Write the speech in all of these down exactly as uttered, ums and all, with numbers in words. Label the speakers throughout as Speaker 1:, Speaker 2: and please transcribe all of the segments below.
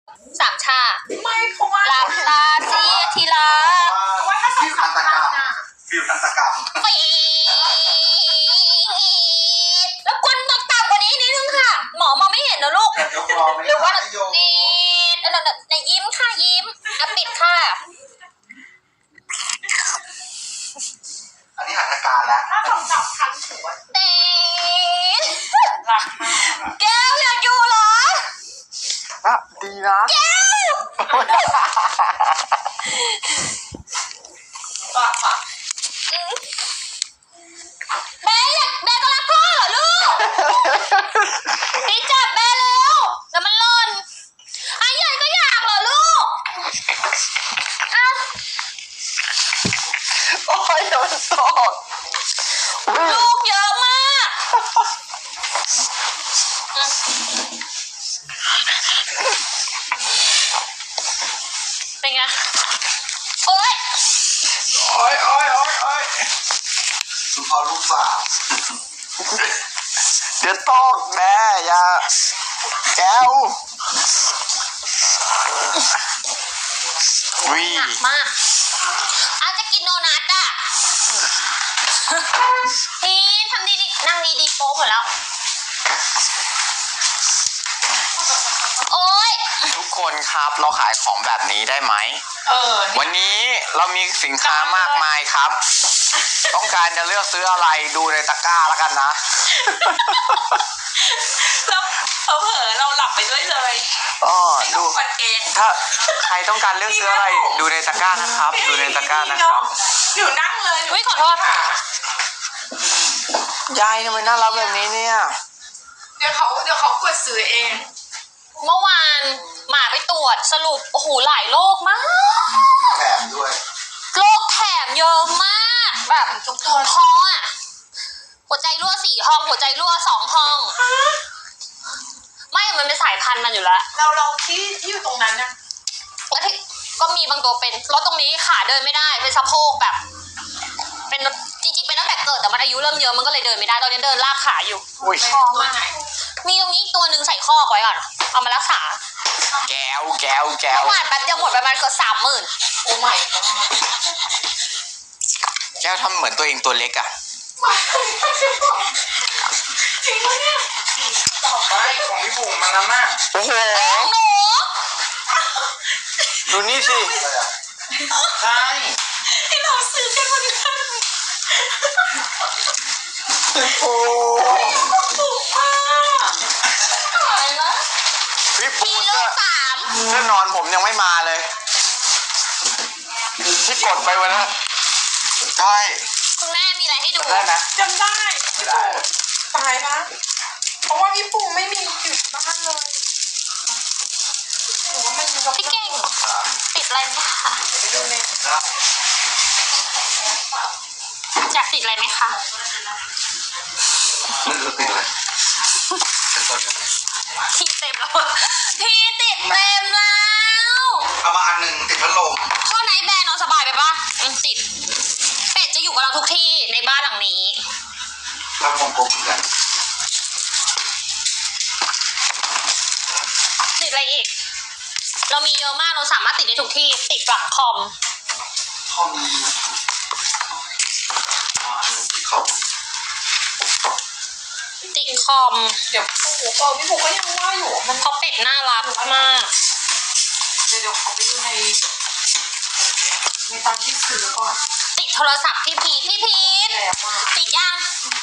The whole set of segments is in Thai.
Speaker 1: สามชา
Speaker 2: ไม่เพราะว่า
Speaker 1: หลับตาสิทีละ
Speaker 2: ว่าถ้าฟิวทันตกรรมฟิวทันตกรรม
Speaker 1: ปีแล้วกวนตกต่ำกว่านี้นิดนึงค่ะหมอมองไม่เห็นนะลูกหรือว่านี่ในยิ้มค่ะยิ้มอ่ะปิดค่ะ
Speaker 2: อันนี้หัตถการแล้วถ้าผมจับคันถือว่า
Speaker 1: เต้แก้วอยากอยู่เหรอ
Speaker 2: อ่ะดีนะ
Speaker 1: แก้ว
Speaker 2: ปากปาก
Speaker 1: แม่อยากแม่ก็รักพ่อเหรอลูกพี่จับแม่เร็วเดี๋ยวมันหล่นไอ้ใหญ่ก็อยากเหรอลูกอ้าว
Speaker 2: โอ้ยโดนสอด
Speaker 1: ลูกเยอะมากเป็นไงโอ๊ย
Speaker 2: โอ๊ยโอ๊ยโอ๊ยโอ๊ยคุณพ่อลูกสาวเดี๋ยวตอกแม่อย่าแก้ว
Speaker 1: วิหนักมากอาจจะกินโดนัทอ่ะพี่ทำดีๆนั่งดีๆโป๊หมดแล้วโอ๊ย
Speaker 3: ทุกคนครับเราขายของแบบนี้ได้ไหม
Speaker 2: เออ
Speaker 3: วันนี้เรามีสินค้ามากมายครับ ต้องการจะเลือกซื้ออะไรดูในตะกร้าแล้วกันนะ
Speaker 2: แล้วเผลอเราหลับไปด้วยเลย
Speaker 3: อ๋อดู
Speaker 2: เอง
Speaker 3: ถ้าใครต้องการเลือกซื้ออะไรดูในตะกร้านะครับดูในตะกร้านะครับ
Speaker 2: อยู่นั่งเลย
Speaker 1: อุ้ยขอโทษค่ะ
Speaker 3: ยายทำไมน่ารักแบบนี้เนี่ย
Speaker 2: เดี๋ยวเขาเดี๋ยวเขากดซื้อเอง
Speaker 1: เมื่อวานหมาไปตรวจสรุปโอ้โหหลายโรคมาก
Speaker 2: แถมด้วย
Speaker 1: โรคแถมเยอะมากแบบทุกตัวท้องอ่ะหัวใจรั่วสี่ห้องหัวใจรั่วสองห้องไม่มันเป็นสายพันธุ์มันอยู่แล้ว
Speaker 2: เราเราที่ที่อยู่ตรงนั้นนะ
Speaker 1: แล้วที่ก็มีบางตัวเป็นรถตรงนี้ขาเดินไม่ได้เป็นสะโพกแบบเป็นจริงๆเป็นตั้งแต่เกิดแต่มันอายุเริ่มเยอะมันก็เลยเดินไม่ได้ตอนนี้เดินลากขาอยู่
Speaker 2: ท้องมา
Speaker 1: มีตรงนี้ตัวหนึ่งใส่ข้อไว้ก่อนเอามารักษา
Speaker 3: แก้วแก้วแก้ว
Speaker 1: เมื่อวานแป๊บเดียวหมดประมาณเกือบสามหมื่น
Speaker 2: โอ้ไม่
Speaker 3: แก้วทำเหมือนตัวเองตัวเล็กอ่ะ
Speaker 2: จริงปะเนี่ยต่อไปของพี่บุ๋มมันน้ำหน้า
Speaker 3: โอ้โห
Speaker 1: หนู
Speaker 3: ดูนี่สิ
Speaker 2: ใช่ที่เราซื้อกันวันนี้โอ้บุ๋มอ่ะอะไรนะ
Speaker 3: พี่ปู
Speaker 1: เสื้อสาม
Speaker 3: เสื้อนอนผมยังไม่มาเลยที่กดไปวันนั้นใช่
Speaker 1: คุณแม่มีอะไรให้ดู
Speaker 3: ได้ไหม
Speaker 2: จำได้ไม่ได้ตายนะเพราะว่าพี่ปูไม่มีอยู่บ้านเลยหนูว่ามัน
Speaker 1: พี่เก่งติดอะไรไหมคะอยากติดอะไรไหมคะ
Speaker 2: ไม่รู้ติดอะไร
Speaker 1: ที่เต็มแล้วที่ติดเต็มแล้ว
Speaker 2: เอามาอันหนึ่งติดพัดลม
Speaker 1: ข้อไหนแบนนอนสบายไปปะติดเป็ดจะอยู่กับเราทุกที่ในบ้านหลังนี้
Speaker 2: ทำของกบเหมือนกัน
Speaker 1: ติดอะไรอีกเรามีเยอะมากเราสามารถติดได้ทุกที่ติดหลังคอม
Speaker 2: คอมอ่าติดคอม
Speaker 1: ติดคอม
Speaker 2: เดี๋ยวโอ้โหพี่ปูก็ยังว่าอยู่มัน
Speaker 1: เพราะเป็ดน่ารักมาก
Speaker 2: เดี๋ยวเดี๋ยวขอไปดูในในตอนที่ซื้อก่อน
Speaker 1: ติดโทรศัพท์พี่พีพี่พีทติดยัง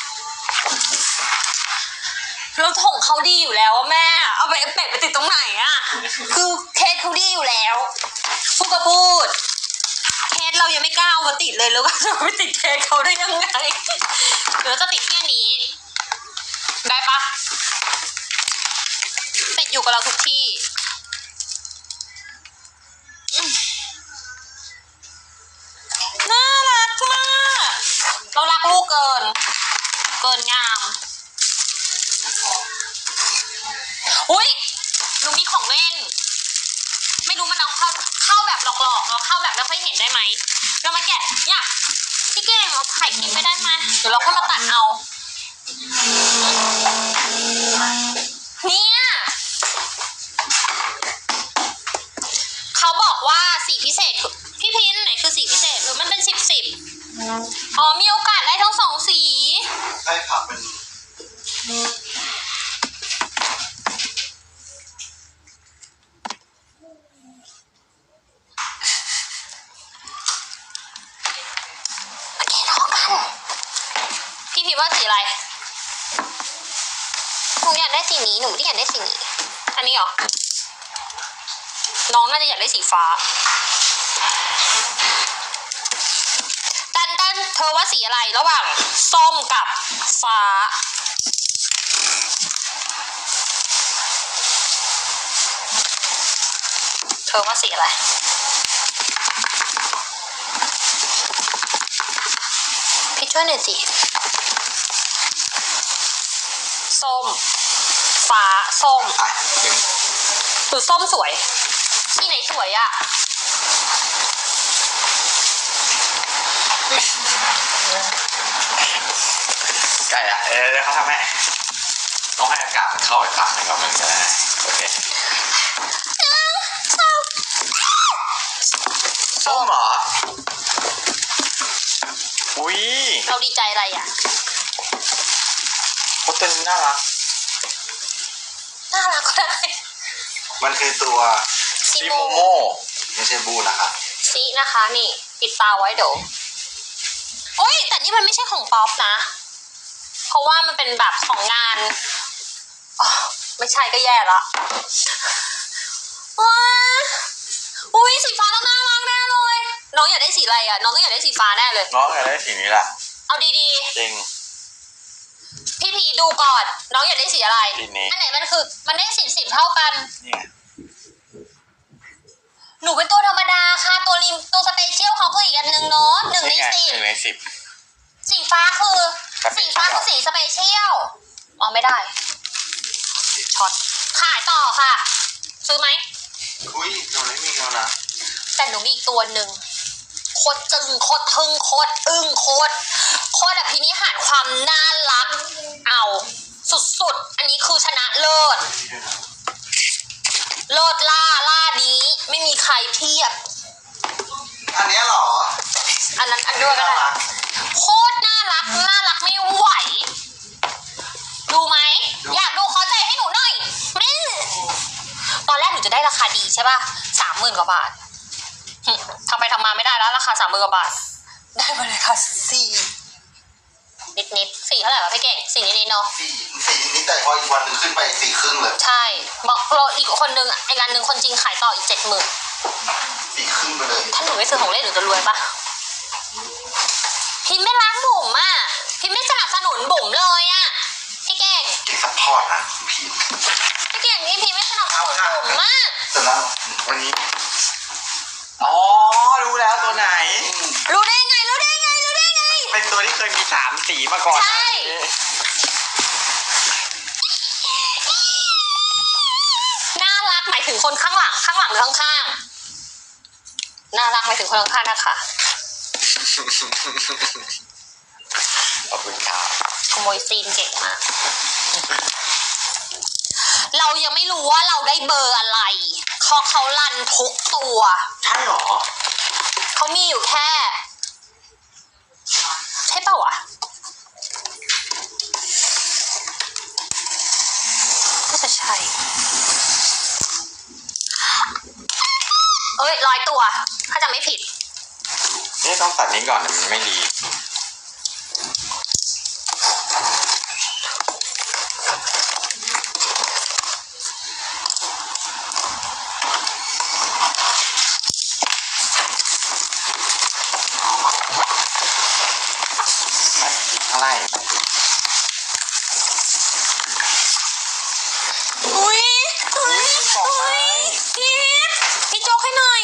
Speaker 1: เราถงเขาดีอยู่แล้วแม่เอาไปเป็ดไปติดตรงไหนอ่ะคือเคสเขาดีอยู่แล้วพูดก็พูดเคสเรายังไม่กล้าเอามาติดเลยแล้วก็จะไปติดเคสเขาได้ยังไงเดี๋ยวจะติดที่นี้ได้ปะเป็ดอยู่กับเราทุกที่น่ารักมากเรารักลูกเกินเกินงามอุ้ยหนูมีของเล่นไม่รู้มันเอาเข้าเข้าแบบหลอกๆเนาะเข้าแบบไม่ค่อยเห็นได้ไหมเรามาแกะเนี่ยพี่เก่งเราถ่ายคลิปไม่ได้ไหมเดี๋ยวเราค่อยมาตัดเอาเนี่ยว่าสีพิเศษคือพี่พินไหนคือสีพิเศษหรือมันเป็นสิบสิบอ๋อมีโอกาสได้ทั้งสองสี
Speaker 4: ได้ค่ะเป็น
Speaker 1: โอเครอกันพี่พินว่าสีอะไรหนูอยากได้สีนี้หนูไม่ได้อยากได้สีนี้อันนี้เหรอน้องน่าจะอยากได้สีฟ้าตันตันเธอว่าสีอะไรระหว่างส้มกับฟ้าเธอว่าสีอะไรพี่ช่วยหน่อยสิส้มฟ้าส้ม
Speaker 4: อ่ะเป็น
Speaker 1: หรือส้มสวยสีไหนสวยอะ
Speaker 4: ไก่อะเออเดี๋ยวเขาทำให้ต้องให้อากาศมันเข้าไปปากมันก่อนมันจะได้โอเคส้มเหรออุ้ย
Speaker 1: เราดีใจอะไรอะ
Speaker 4: โคตรเป็นน่ารัก
Speaker 1: น่ารักก็ได้
Speaker 4: มันคือตัว
Speaker 1: ซิ
Speaker 4: ซิ
Speaker 1: โม
Speaker 4: โมโมไม่ใช่บูนะครับ
Speaker 1: ซินะคะนี่ปิดตาไว้เดี๋ยวโอ้ยแต่นี่มันไม่ใช่ของป๊อปนะเพราะว่ามันเป็นแบบของงานอ๋อไม่ใช่ก็แย่ละว้าอุ้ยสีฟ้าต้องน่ารักแน่เลยน้องอยากได้สีอะไรอะน้องต้องอยากได้สีฟ้าแน่เลย
Speaker 4: น้องอยากได้สีนี้แหละ
Speaker 1: เอาดี
Speaker 4: จริง
Speaker 1: ๆพี่พีดูก่อนน้องอยากได้สีอะไร
Speaker 4: สีนี้
Speaker 1: อันไหนมันคือมันได้สิบสิบเท่ากัน
Speaker 4: เนี่ย
Speaker 1: หนูเป็นตัวธรรมดาค่ะตัวริมตัวสเปเชียลเขาคืออีกอันหนึ่งเนาะหนึ่งใน
Speaker 4: นี่ไง
Speaker 1: สิบ
Speaker 4: หนึ่งในสิบ
Speaker 1: สีฟ้าคือ
Speaker 4: สเป
Speaker 1: สี
Speaker 4: เชียล
Speaker 1: ฟ้าคือสีสเปเชียลอ๋อไม่ได้ช็อตขายต่อค่ะ ซื้อไหม
Speaker 4: อุ้ยหนูไม่มีแล้วนะ
Speaker 1: แต่หนูมีอีกตัวหนึ่งโคตรจึงโคตรทึ่งโคตรอึ้งโคตรโคตรอภินิหารความน่ารักเอาสุดๆอันนี้คือชนะเลิศเลิศล่าล่านี้ไม่มีใครเทียบ
Speaker 4: อันเนี้ยเหรอ
Speaker 1: อันนั้นอันด้วยก็ได้โคตรน่ารักน่ารักไม่ไหวดูไหมอยากดูขอใจให้หนูหน่อยนี่ตอนแรกหนูจะได้ราคาดีใช่ป่ะสามหมื่นกว่าบาทหึทำไปทำมาไม่ได้แล้วราคาสามหมื่นกว่าบาทได้มาเลยค่ะสี่นิดนิดๆสี่เท่าไหร่วะพี่เก่งสี่นิดนิดๆเนาะ
Speaker 4: สี่สี่นิดแต่พออีกวันหนึ่งขึ้นไปสี่ครึ่งเลย
Speaker 1: ใช่บอกเราอีกคนนึงไอ้ร้านหนึ่งคนจริงขายต่ออีกเจ็ดหมื่น
Speaker 4: สี่ครึ่งไปเลย
Speaker 1: ถ้าหนูไม่ซื้อของเล่นหนูจะรวยปะพิมไม่ล้างบุ๋มอ่ะพิมไม่สนับสนุนบุ๋มเลยอ่ะพี่เก่ง
Speaker 4: เก่งซัพพอร์ตนะพีม
Speaker 1: พี่เก่งนี่พิมไม่สนับสนุนบุ๋มมาก
Speaker 4: แต่แล้ววันนี้อ๋อรู้แล้วตัวไหน
Speaker 1: รู้ได้ไงรู้ได้ไงรู้ได้ไง
Speaker 4: เป็นตัวที่เคยมีสามสีมาก่อน
Speaker 1: ใช่ น่ารักหมายถึงคนข้างหลังข้างหลังหรือข้างๆน่ารักหมายถึงคนข้างๆนะคะ
Speaker 4: ขอบคุณครับ
Speaker 1: ขโมยซีนเก่งมาก เรายังไม่รู้ว่าเราได้เบอร์อะไรเขาเขารันทุกตัว
Speaker 4: ใช่หรอ
Speaker 1: เขามีอยู่แค่ใช่เปล่าวะน่าจะใช่เอ้ยร้อยตัวถ้าจำไม่ผิด
Speaker 4: นี่ต้องตัดนี้ก่อนเดี๋ยวมันไม่ดีข้างล่าง
Speaker 1: อุ้ยอุ้ยอุ้ยพี่พี่โจ๊กให้หน่อย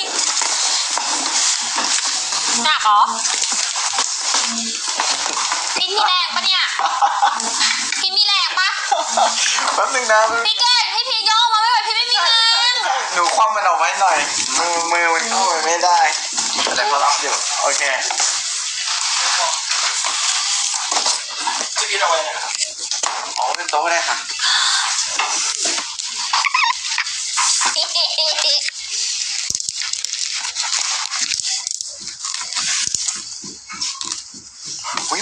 Speaker 1: หนักเหรอพี่มีแรงปะเนี่ยพี่มีแรงปะ
Speaker 4: แป๊บนึงนะ
Speaker 1: พี่เก่งพี่พีย่อมาไม่ไหวพี่ไม่มีแรง
Speaker 4: หนูคว่ำมันเอาไว้หน่อย มือมือมันเข้าไปไม่ได้แต่ก็รับอยู่โอเคจะกินเอาไว้นะครับอ๋อเป็นโต๊ะได้ค่ะ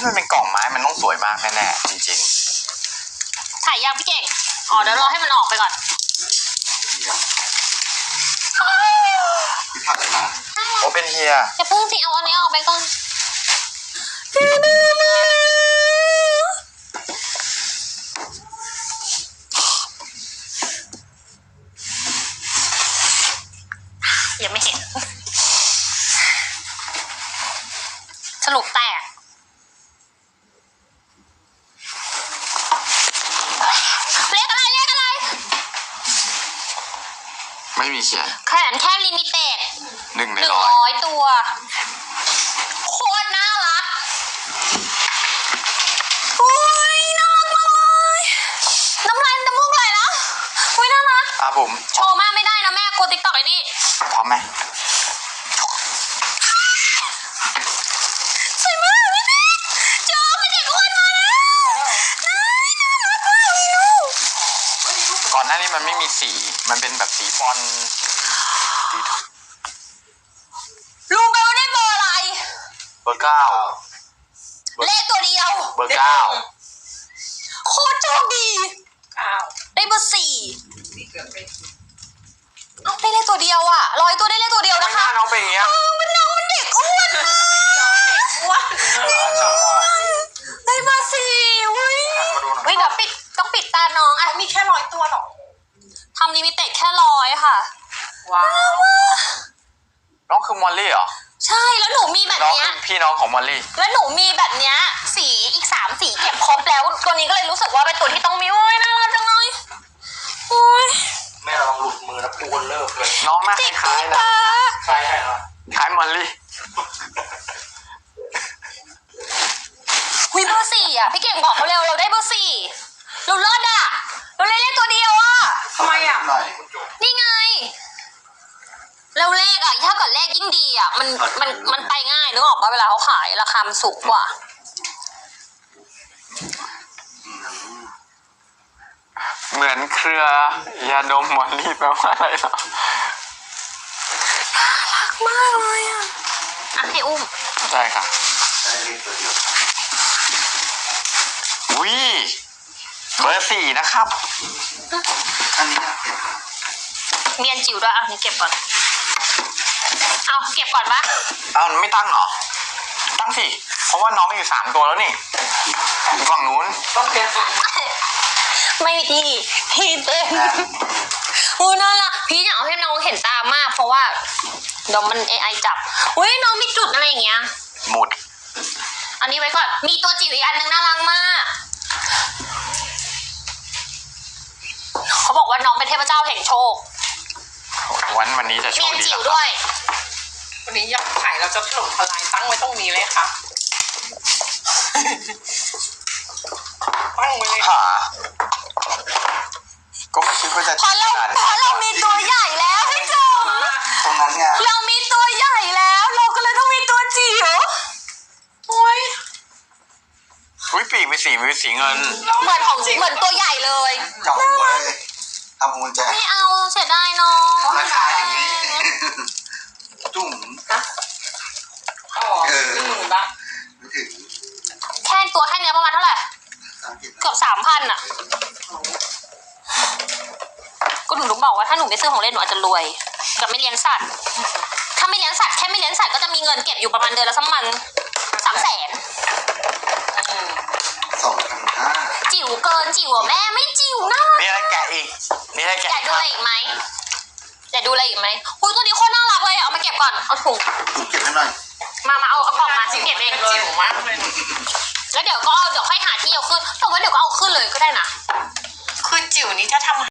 Speaker 3: ที่มันเป็นกล่องไม้มันต้องสวยมากแน่ๆจริง
Speaker 1: ถ่ายยังพี่เก่งอ๋อเดี๋ยวรอให้มันออกไปก่อน
Speaker 4: พี่ผักเลยนะ
Speaker 3: ๆโอเป็นเฮีย
Speaker 1: อย่าเพิ่งสิเอาอันนี้ออกไปก่อนยังไม่เห็น สรุปแตกเลขอะไรเลขอะไร
Speaker 3: ไม่มีเขียน
Speaker 1: แขนแค่ลิมิเต็ด
Speaker 3: หนึ่งใน
Speaker 1: หนึ่ง
Speaker 3: ร้อย
Speaker 1: ร้อยตัว โคตรน่ารักอุ้ยน่ารักมากเลยน้ำลายน้ำมูกไหลแล้วอุ้ยน่ารัก
Speaker 3: อ่ะผม
Speaker 1: โชว์มากไม่ได้นะแม่กลัวติ๊กต็อกไอ้นี่
Speaker 3: พร้อมไหม
Speaker 1: สวยมากพี่แม่เจอไม่เด็กอ้วนมาแล้วน่าน่ารักมากเลยลูก
Speaker 3: ก่อนหน้านี้มันไม่มีสีมันเป็นแบบสีบอลสี
Speaker 1: รู้ไหมว่าได้เบอร์อะไร
Speaker 3: เบอร์เก้า
Speaker 1: เลขตัวเดียว
Speaker 3: เบอร์เก้า
Speaker 1: โคตรโชคดี
Speaker 2: อ้าว
Speaker 1: ได้เบอร์สี่
Speaker 2: นี่เกือบไม่ถูก
Speaker 1: เอ้าได้เลขตัวเดียวอะร้อยตัวได้เลขตัวเดียว
Speaker 3: ทำไม
Speaker 1: นะ
Speaker 3: หน้า
Speaker 1: คะ
Speaker 3: น้องเป็นอย่างเงี้ย
Speaker 1: เออมันน้องมันเด็กอ้วนมาก
Speaker 2: อ้วน
Speaker 1: ได้เบอร์สี่เว้ย
Speaker 3: มาดูหน่อย
Speaker 1: เฮ้ยเดี๋ยวปิดต้องปิดตาน้องอะ
Speaker 2: มีแค่ร้อยตัวหรอ
Speaker 1: ทำลิมิเต็ดแค่ร้อยค่ะ
Speaker 2: ว้าว
Speaker 3: น้องคือมอลลี่เหรอ
Speaker 1: ใช่แล้วหนูมีแบบ
Speaker 3: น้อง
Speaker 1: เนี้
Speaker 3: คื
Speaker 1: ย
Speaker 3: อพี่น้องของมอลลี่
Speaker 1: แล้วหนูมีแบบเนี้ยสีอีกสามสีเก็บครบแล้วตัวนี้ก็เลยรู้สึกว่าเป็นตัวที่ต้องมีโอ้ยน่ารักจังเลยโอ้ย
Speaker 4: แม่เราลองหลุดมือแล้วปูนเลิกเลย
Speaker 3: น้องหน้าค
Speaker 1: จิก
Speaker 3: ล้า
Speaker 1: ตุ๊
Speaker 3: ย
Speaker 1: ก
Speaker 3: ๆนะ
Speaker 1: ตา
Speaker 4: ใช่ใช่ครับ
Speaker 3: คล้ายมอลลี่
Speaker 1: หุยเบอร์สี่อ่ะพี่เก่งบอกเขาเร็วเราได้เบอร์สี่เราเลิศอ่ะเราเล่นเลขตัวเดียวอ่ะ
Speaker 2: ทำไมอ่ะ
Speaker 4: หน่อย
Speaker 1: นี่ไงแล้วเลขอ่ะถ้าเกิดเลขยิ่งดีอ่ะมันมันมันไปง่ายนึกออกปะเวลาเขาขายราคามันสูงกว่า
Speaker 3: เหมือนเครือยาดมมอลลี่แปลว่าอะไรเหรอ
Speaker 1: รักมากเลยอ่ะอ่ะให้อุ้ม
Speaker 3: ใช่ค่ะ
Speaker 4: ใช่เลขตัวเดียว
Speaker 3: วิเบอร์สี่นะครับ
Speaker 4: อันนี้อยากเห็น
Speaker 1: เมียนจิ๋วด้วยอ่ะนี่เก็บก่อนเอาเก็บก่อนปะ
Speaker 3: เอ้าไม่ตั้งเหรอ ตั้งสิ เพราะว่าน้องอยู่สามตัวแล้วนี่อยู่ฝั่งนู้น
Speaker 2: ต้องเป็น
Speaker 1: ไม่ดีพี่เต้นอู้น่ารักพี่อยากเอาให้น้องเห็นตามาก เพราะว่าเดี๋ยวมัน เอ ไอ จับอุ้ยน้องมีจุดอะไรอย่างเงี้ย
Speaker 3: หมุด
Speaker 1: อันนี้ไว้ก่อนมีตัวจิ๋วอีกอันนึงน่ารักมากเขาบอกว่าน้องเป็นเทพเจ้าแห่งโชค
Speaker 3: วันวันนี้จะโช
Speaker 1: เมีย
Speaker 3: คน ดี
Speaker 1: จิ๋ว
Speaker 3: แล้ว
Speaker 1: ด้วย
Speaker 2: วันนี้ยอดขายเราจะถล่มทลายตั้งไว้ตรงนี้เลยค่ะตั้งไว้เลย
Speaker 3: หาก็ไม่คิดว่าจะ
Speaker 1: เพราะเรา
Speaker 3: ขนาด
Speaker 1: เพราะเรามีตัวใหญ่แล้วพี่จุ๋ม
Speaker 3: ตรงนั้นไง
Speaker 1: เรามีตัวใหญ่แล้ว เราก็เลยต้องมีตัวจิ๋ว
Speaker 2: โอ้ย
Speaker 3: อุ้ยปีกเป็นสีเป็นสีเงิน
Speaker 1: เหมือนของเหมือนตัวใหญ่เลย
Speaker 4: จับหัวเลยทำหัวใจ
Speaker 1: ไม่เอาเสียดายน้อง
Speaker 4: ราคาอย่างนี้ จุ่ม
Speaker 2: อ๋อหนึ่งหมื่นบาท
Speaker 4: ไม่ถึง
Speaker 1: แค่ตัวแค่เนี้ยประมาณเท่าไหร่
Speaker 4: สามสิบ
Speaker 1: เกือบสามพันอ่ะ ก็หนูรู้บอกว่าถ้าหนูไม่ซื้อของเล่นหนูอาจจะรวยกับไม่เลี้ยงสัตว์ ถ้าไม่เลี้ยงสัตว์แค่ไม่เลี้ยงสัตว์ก็จะมีเงินเก็บอยู่ประมาณเดือนละสักมันสามแสน
Speaker 4: สองพันห้า
Speaker 1: จิ๋วเกินจิ๋วอะแม่ไม่จิ๋วนะ
Speaker 3: มีอะไรแกะอีก มีอะไรแกะ
Speaker 1: อยาก
Speaker 3: อีก
Speaker 1: ดู
Speaker 3: ค
Speaker 1: อะ
Speaker 3: รับ
Speaker 1: ไรอีกไหมอยากดูอะไรอีกไหมอุ้ยตัวนี้โคตรน่ารักเลยเอามาเก็บก่อนเอาถุง
Speaker 4: จุ่มเก็บให้หน่อย
Speaker 1: มามาเอาเอากล่องมาเก็บเอง
Speaker 2: จิ๋วมากเลย
Speaker 1: แล้วเดี๋ยวก็เอาเดี๋ยวค่อยหาที่เอาขึ้นแต่ว่าเดี๋ยวก็เอาขึ้นเลยก็ได้นะ
Speaker 2: คือจิ๋วนี้ถ้าทำ